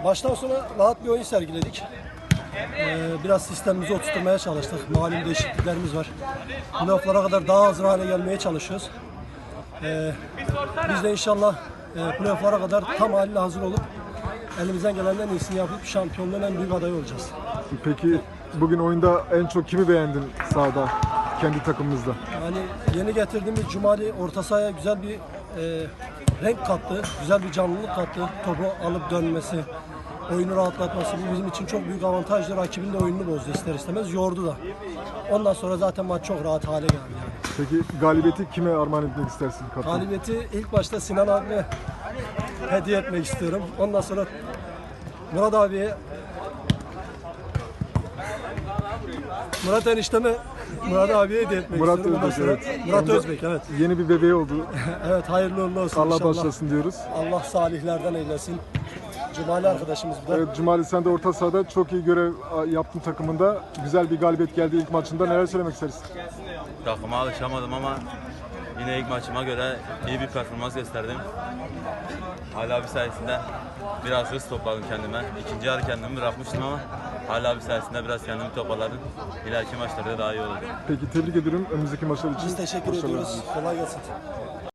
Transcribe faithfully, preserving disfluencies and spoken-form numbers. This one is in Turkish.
Baştan sona rahat bir oyun sergiledik. Ee, biraz sistemimizi oturtmaya çalıştık. Malum değişikliklerimiz var. Playoff'lara kadar daha hazır hale gelmeye çalışıyoruz. Ee, biz de inşallah e, playoff'lara kadar tam haliyle hazır olup elimizden gelen en iyisini yapıp şampiyonluğun en büyük adayı olacağız. Peki bugün oyunda en çok kimi beğendin sahada, kendi takımımızda? Yani yeni getirdiğimiz Cumali orta sahaya güzel bir e, renk kattı, güzel bir canlılık kattı. Topu alıp dönmesi, oyunu rahatlatması bu bizim için çok büyük avantajdı. Rakibin de oyununu bozdu ister istemez, yordu da. Ondan sonra zaten maç çok rahat hale geldi yani. Peki galibiyeti kime armağan etmek istersin kaptan? Galibiyeti ilk başta Sinan abiye hediye etmek istiyorum. Ondan sonra Murat abiye, Murat enişteme, Murat abiye hediye etmek Murat istiyorum. Ondan Özbek, sonra evet. Murat Onda Özbek, evet. Yeni bir bebeği oldu. Evet, hayırlı uğurlu olsun Allah inşallah. başlasın diyoruz. Allah salihlerden eylesin. Cumali arkadaşımız bu da. Evet Cumali, sen de orta sahada çok iyi görev yaptın takımında. Güzel bir galibiyet geldi ilk maçında. Neler söylemek istersin? Takıma alışamadım ama yine ilk maçıma göre iyi bir performans gösterdim. Hala bir sayesinde biraz hız topladım kendime. İkinci yarı kendimi bırakmıştım ama hala bir sayesinde biraz kendimi toparladım. İleriki maçlarda daha iyi olacak. Peki tebrik ediyorum önümüzdeki maçlar için. Biz teşekkür Başarılar ediyoruz. diliyoruz. Kolay gelsin.